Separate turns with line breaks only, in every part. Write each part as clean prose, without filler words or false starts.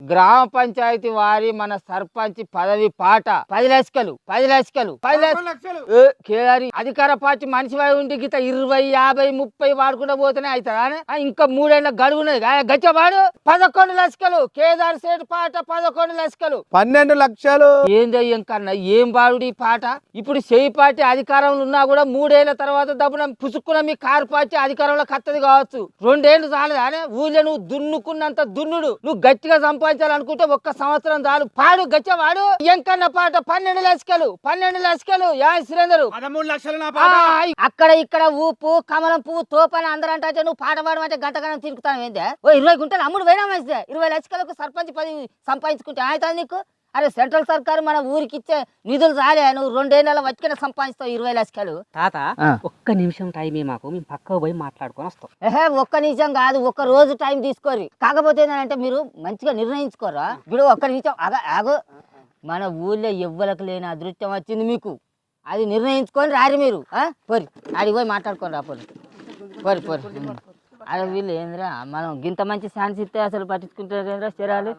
గ్రామ పంచాయతీ వారి మన సర్పంచ్ పదవి పాట 10 లక్షలు 10 లక్షలు 10 లక్షలు కేదారి అధికార పార్టీ మనిషి ఉండి గిత 20, 50, 30 వాడుకుంటూ పోతేనే అవుతారా ఇంకా 3 ఏళ్ళ గడువున్నది గచ్చవాడు 11 లక్షలు కేదార్ సేట్ పాట 11 లక్షలు
12 లక్షలు
ఏందయ్యం కన్నా ఏం బాడుడు ఈ పాట ఇప్పుడు చేయి పార్టీ అధికారంలో ఉన్నా కూడా 3 ఏళ్ల తర్వాత దబ్బున పుసుక్కున్న మీ కారు పార్టీ అధికారంలో కత్తది కావచ్చు 2 ఏళ్ళు చాలదా ఊళ్ళో నువ్వు దున్నుకున్నంత దున్నుడు నువ్వు గట్టిగా సంపాదించాలనుకుంటే 1 సంవత్సరం చాలు పాడు గచ్చవాడు ఎంకన్న పాట 12 లక్షలు 12 లక్షలు సురేందరు
13 లక్షలు
అక్కడ ఇక్కడ ఊపు కమలం పువ్వు తోపని అందరూ అంటే నువ్వు పాట పాడమంటే గంటగణం తిరుగుతాను ఏందే 20 గుంటలు అమ్ముడు పోయినా మంచిదే 20 లక్షలకు సర్పంచ్ 10 సంపాదించుకుంటే అవుతుంది నీకు అరే సెంట్రల్ సర్కారు మన ఊరికి ఇచ్చే నిధులు రాలే నువ్వు 2 ఏళ్ళ వచ్చిన సంపాదిస్తావు 20 లక్షలు
తాత ఒక్క నిమిషం టైం మాకు మేము పక్కకు పోయి మాట్లాడుకొని వస్తాం
1 నిమిషం కాదు 1 రోజు టైం తీసుకోరు కాకపోతే ఏంటంటే మీరు మంచిగా నిర్ణయించుకోరా ఇప్పుడు 1 నిమిషం ఆగో మన ఊళ్ళో ఎవ్వలకు లేని అదృష్టం వచ్చింది మీకు అది నిర్ణయించుకొని రారు మీరు పోరి ఆడికి పోయి మాట్లాడుకొని రా పోరి అరే వీళ్ళు ఏంద్రా మనం గింత మంచి ఛాన్స్ ఇస్తే అసలు పట్టించుకుంటారు చరాలు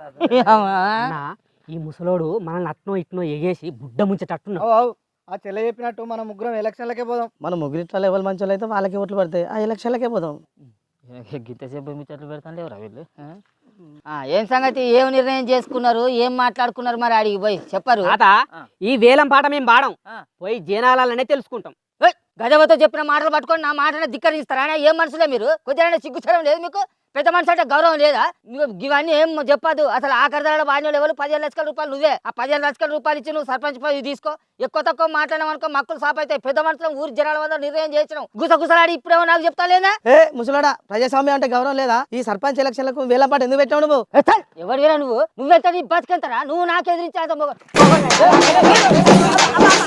ఈ ముసలోడు మనల్ని అట్నో ఇట్నో ఎగేసి బుడ్డ ముంచేటట్టున్నావు
ఆ చెల్ల చెప్పినట్టు మనం ముగ్గురం ఎలక్షన్లకే పోదాం
మన ముగ్గురిట్లా లెవెల్ మంచి అయితే వాళ్ళకి ఓట్లు పడతాయి ఆ ఎలక్షన్లకే పోదాం
గింతసేపు ముచ్చట్లు పెడతాండి ఎవరా వీళ్ళు ఏం సంగతి ఏం నిర్ణయం చేసుకున్నారు ఏం మాట్లాడుకున్నారు మరి అడిగి పోయి చెప్పరు
తాత ఈ వేలం పాట మేము పాడం పోయి జనాలనే తెలుసుకుంటాం
గజవతో చెప్పిన మాటలు పట్టుకొని నా మాటను ధిక్కరిస్తారా ఏం మనసులే మీరు కొద్దిగా సిగ్గుచడం లేదు మీకు పెద్ద మనిషి అంటే గౌరవం లేదా ఇవన్నీ ఏం చెప్పదు అసలు ఆఖరి ధరలో బాధ్యులు ఎవరు 15 లక్షల రూపాయలు నువ్వే ఆ 15 లక్షల రూపాయలు ఇచ్చి నువ్వు సర్పంచ్ పదవి తీసుకో ఎక్కువ తక్కువ మాట్లాడమనుకో మక్కులు సాప్ అవుతాయి పెద్ద మనుషులు ఊరి జనాల వద్ద నిర్ణయం చేయించడం గుసగుసలాడి ఇప్పుడేమో నాకు చెప్తా లేదా
ముసలాడా ప్రజాస్వామ్యం అంటే గౌరవం లేదా ఈ సర్పంచ్ ఎలక్షన్లకు వేలంపాట ఎందుకు పెట్టావు నువ్వు
ఎవరు వేరా నువ్వెంత బతికెంతరా నువ్వు నాకు ఎదిరించాలి